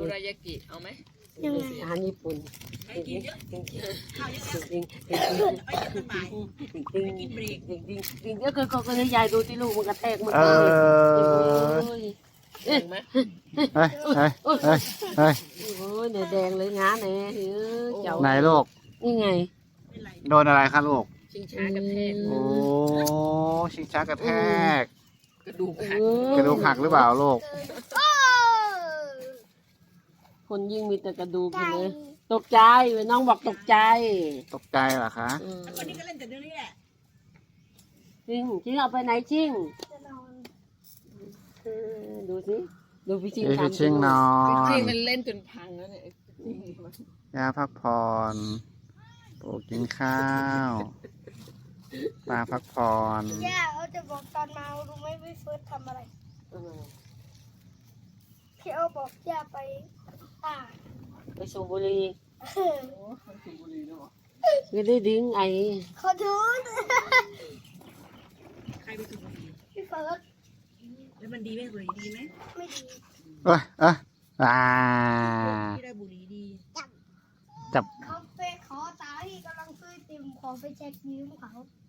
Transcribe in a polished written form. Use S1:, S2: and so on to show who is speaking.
S1: รายากิเอาไหม
S2: ยังไง
S3: อาหารญี่ปุ่น
S4: ไปกินเยอะข้าวเยอะ
S3: จริง
S4: ไปเย็นตอนบ่าย
S3: จริง
S4: ไปกินเบรก
S3: จริงก็ให้ยายดูที่ลูกมันกระแทกมัน
S5: เออ
S1: เห็นไหม
S5: เฮ้ยเฮ้ยเฮ้ยเฮ้ย
S3: โอ้ยเนี่ยแดงเลยงาเนี่ยเจ้า
S5: ไหนลูก
S3: นี่ไง
S4: ไม่ไร
S5: โดนอะไรคะลูก
S1: ชิงช้ากระแทก
S5: โอ้ชิงช้ากระแทก
S1: กระดูกหัก
S5: กระดูกหักหรือเปล่าลูก
S3: คนยิ่งมีแต่กระดูกอยู่เลยตกใจน้องบอกตกใจ
S5: ตกใจเหรอคะ
S4: แล้วคนนี้ก็เล่นแต่เรื่องนี้แหละ
S3: จริงเอาไปไหนจริง
S2: จะนอน
S3: ดูสิดูพี่ชิง
S5: พี่
S3: ทำ
S5: ชิงนอ
S1: จริง
S5: น
S1: ๆมันเล่นจนพังแล้วเนี่ยจริงมัน
S5: ย่าพักผ่อนปู่กินข้าวปลาพักผ่อน
S2: ย่าเขาจะบอกตอนมารู้ไหมพี่เฟิร์สทำอะไรพี่เอาบอกย่าไปอ่า
S3: ไปสูบบุหรี่
S2: เออ
S3: ไม่ได้ดิ้งไอ
S2: ขอโทษ
S4: ใครไปสูบบุหรี่
S2: พี่เฟิร์ส
S4: แล้วมันดีไหมบุหรี่ดีไหม
S2: ไม่ดี
S5: เอ้ยเอ้ยอ่า
S4: ที่ได้บุหรี่ดี
S5: จับ
S2: เขาไปขอตาที่กำลังซื้อติมขอไปเช็คนิ้วเขา